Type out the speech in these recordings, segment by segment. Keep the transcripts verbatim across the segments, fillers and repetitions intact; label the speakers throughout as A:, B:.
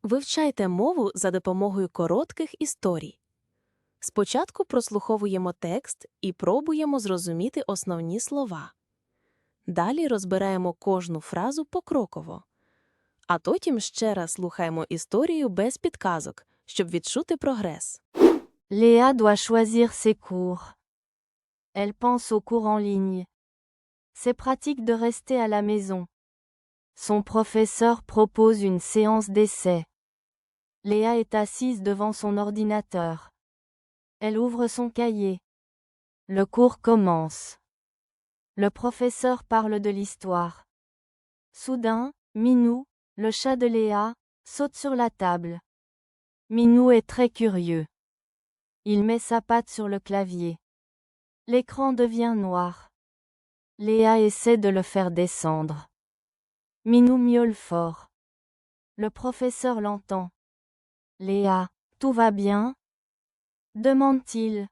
A: Вивчайте мову за допомогою коротких історій. Спочатку прослуховуємо текст і пробуємо зрозуміти основні слова. Далі розбираємо кожну фразу покроково. А потім ще раз слухаємо історію без підказок, щоб відчути прогрес.
B: Léa doit choisir ses cours. Elle pense aux cours en ligne. C'est pratique de rester à la maison. Son professeur propose une séance d'essai. Léa est assise devant son ordinateur. Elle ouvre son cahier. Le cours commence. Le professeur parle de l'histoire. Soudain, Minou, le chat de Léa, saute sur la table. Minou est très curieux. Il met sa patte sur le clavier. L'écran devient noir. Léa essaie de le faire descendre. Minou miaule fort. Le professeur l'entend. Léa, tout va bien? Demande-t-il.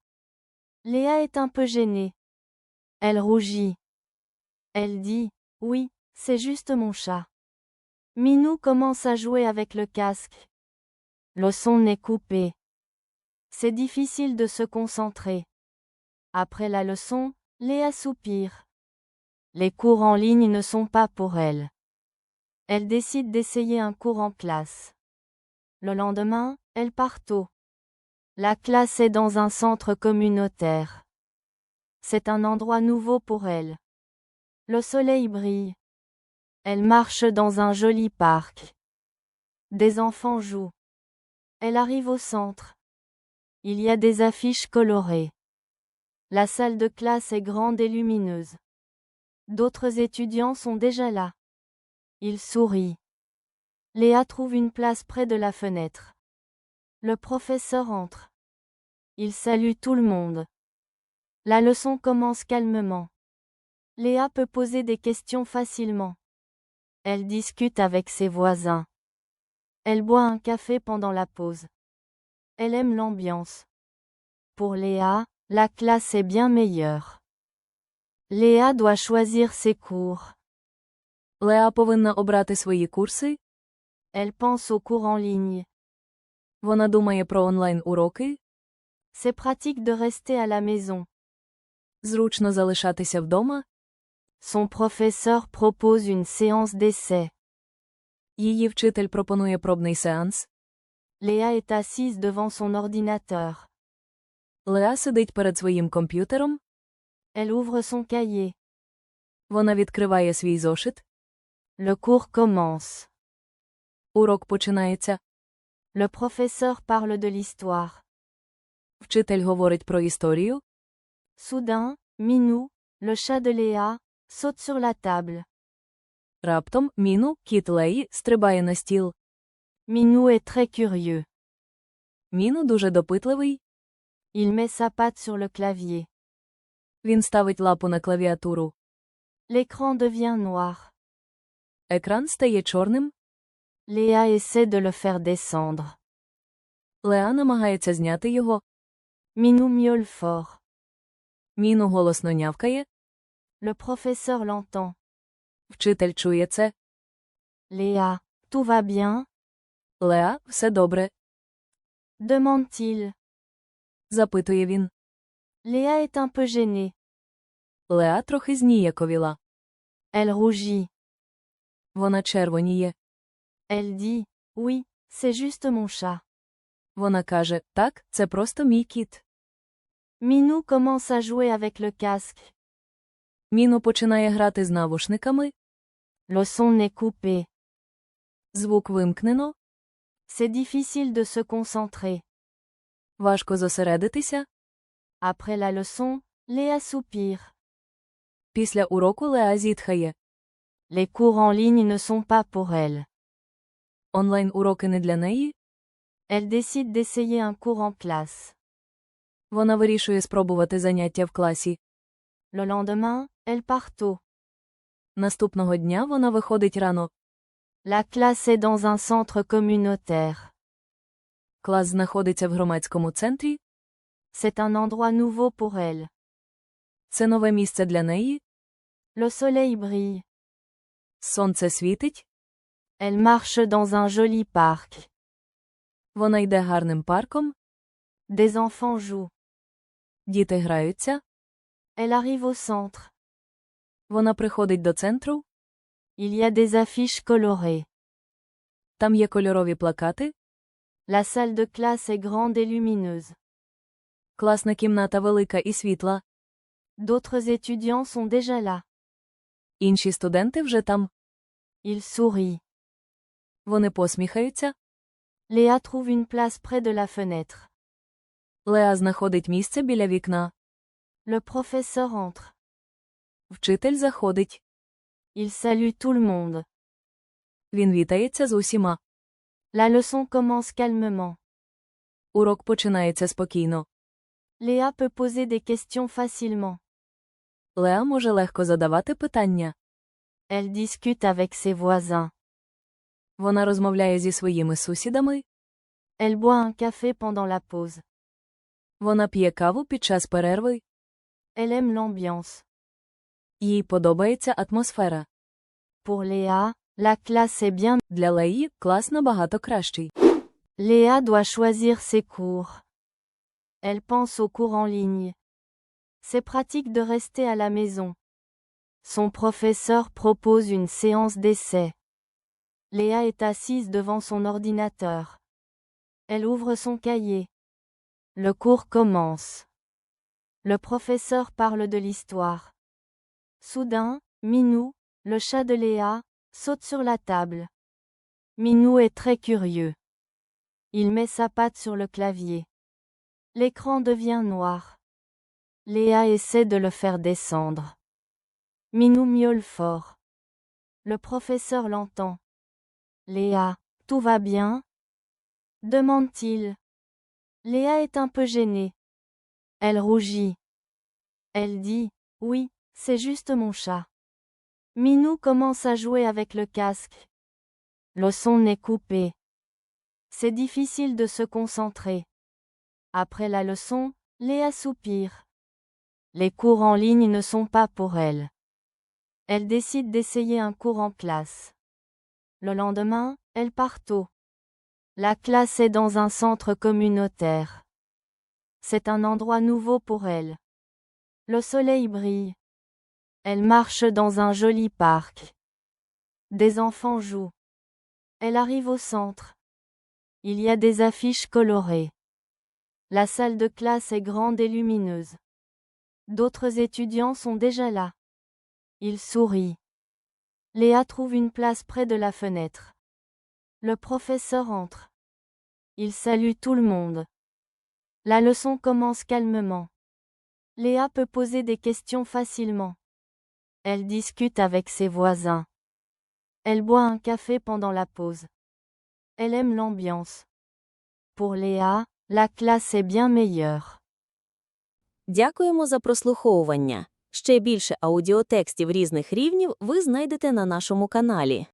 B: Léa est un peu gênée. Elle rougit. Elle dit, oui, c'est juste mon chat. Minou commence à jouer avec le casque. Le son est coupé. C'est difficile de se concentrer. Après la leçon, Léa soupire. Les cours en ligne ne sont pas pour elle. Elle décide d'essayer un cours en classe. Le lendemain, elle part tôt. La classe est dans un centre communautaire. C'est un endroit nouveau pour elle. Le soleil brille. Elle marche dans un joli parc. Des enfants jouent. Elle arrive au centre. Il y a des affiches colorées. La salle de classe est grande et lumineuse. D'autres étudiants sont déjà là. Ils sourient. Léa trouve une place près de la fenêtre. Le professeur entre. Il salue tout le monde. La leçon commence calmement. Léa peut poser des questions facilement. Elle discute avec ses voisins. Elle boit un café pendant la pause. Elle aime l'ambiance. Pour Léa, la classe est bien meilleure. Léa doit choisir ses cours.
A: Леа повинна обрати свої курси.
B: Elle pense aux cours en ligne.
A: Вона думає про онлайн-уроки.
B: C'est pratique de rester à la maison.
A: Зручно залишатися вдома.
B: Son professeur propose une séance d'essai.
A: Її вчитель пропонує пробний сеанс.
B: Léa est assise devant son ordinateur.
A: Леа сидить перед своїм комп'ютером.
B: Elle ouvre son cahier.
A: Вона відкриває свій зошит.
B: Le cours commence.
A: Урок починається.
B: Le professeur parle de l'histoire.
A: Вчитель говорить про історію.
B: Soudain, Minou, le chat de Léa, saute sur la table.
A: Раптом Міну, кіт Леї, стрибає на стіл.
B: Minou est très curieux.
A: Міну дуже допитливий.
B: Il met sa patte sur le clavier.
A: Він ставить лапу на клавіатуру.
B: L'écran devient noir.
A: Екран стає чорним.
B: Léa essaie de le faire descendre.
A: Леа намагається зняти його.
B: Minou miaule fort.
A: Міну голосно нявкає.
B: Le professeur l'entend.
A: Вчитель чує це.
B: Léa, tout va bien?
A: Леа, все добре.
B: Demande-t-il.
A: Запитує він.
B: Léa est un peu gênée.
A: Леа трохи зніяковіла.
B: Elle rougit.
A: Вона червоніє.
B: Elle dit, oui, c'est juste mon chat.
A: Вона каже, так, це просто мій кіт.
B: Minou commence à jouer avec le casque.
A: Міну починає грати з навушниками.
B: Le son est coupé.
A: Звук вимкнено.
B: C'est difficile de se concentrer.
A: Важко зосередитися.
B: Après la leçon, Léa soupire.
A: Після уроку Леа зітхає.
B: Les cours en ligne ne sont pas pour elle.
A: Онлайн-уроки не для неї.
B: Elle décide d'essayer un cours en classe.
A: Вона вирішує спробувати заняття в класі.
B: Le lendemain, elle part tôt.
A: Наступного дня вона виходить рано.
B: La classe est dans un centre communautaire.
A: Клас знаходиться в громадському центрі.
B: C'est un endroit nouveau pour elle.
A: Це нове місце для неї.
B: Le soleil brille.
A: Сонце світить.
B: Elle marche dans un joli parc.
C: Вона йде гарним парком.
B: Des enfants jouent.
C: Діти граються.
B: Elle arrive au centre.
C: Вона приходить до центру.
B: Il y a des affiches colorées.
C: Там є кольорові плакати.
B: La salle de classe est grande et lumineuse.
C: Класна кімната велика і світла.
B: D'autres étudiants sont déjà là.
C: Інші студенти вже там.
B: Ils sourient.
C: Вони посміхаються.
B: Léa trouve une place près de la fenêtre.
C: Леа знаходить місце біля вікна.
B: Le professeur entre.
C: Вчитель заходить.
B: Il salue tout le monde.
C: Він вітається з усіма.
B: La leçon commence calmement.
C: Урок починається спокійно.
B: Léa peut poser des questions facilement.
C: Леа може легко задавати питання.
B: Elle discute avec ses voisins.
C: Вона розмовляє зі своїми сусідами.
B: Elle boit un café pendant la pause.
C: Вона п'є каву під час перерви.
B: Elle aime l'ambiance.
C: Їй подобається атмосфера.
B: Pour Léa, la classe est bien.
C: Для Леї клас набагато кращий.
B: Léa doit choisir ses cours. Elle pense aux cours en ligne. C'est pratique de rester à la maison. Son professeur propose une séance d'essai. Léa est assise devant son ordinateur. Elle ouvre son cahier. Le cours commence. Le professeur parle de l'histoire. Soudain, Minou, le chat de Léa, saute sur la table. Minou est très curieux. Il met sa patte sur le clavier. L'écran devient noir. Léa essaie de le faire descendre. Minou miaule fort. Le professeur l'entend. Léa, tout va bien? Demande-t-il. Léa est un peu gênée. Elle rougit. Elle dit, oui, c'est juste mon chat. Minou commence à jouer avec le casque. Le son est coupé. C'est difficile de se concentrer. Après la leçon, Léa soupire. Les cours en ligne ne sont pas pour elle. Elle décide d'essayer un cours en classe. Le lendemain, elle part tôt. La classe est dans un centre communautaire. C'est un endroit nouveau pour elle. Le soleil brille. Elle marche dans un joli parc. Des enfants jouent. Elle arrive au centre. Il y a des affiches colorées. La salle de classe est grande et lumineuse. D'autres étudiants sont déjà là. Ils sourient. Léa trouve une place près de la fenêtre. Le professeur entre. Il salue tout le monde. La leçon commence calmement. Léa peut poser des questions facilement. Elle discute avec ses voisins. Elle boit un café pendant la pause. Elle aime l'ambiance. Pour Léa, la classe est bien meilleure.
A: Дякуємо за прослуховування. Ще більше аудіотекстів різних рівнів ви знайдете на нашому каналі.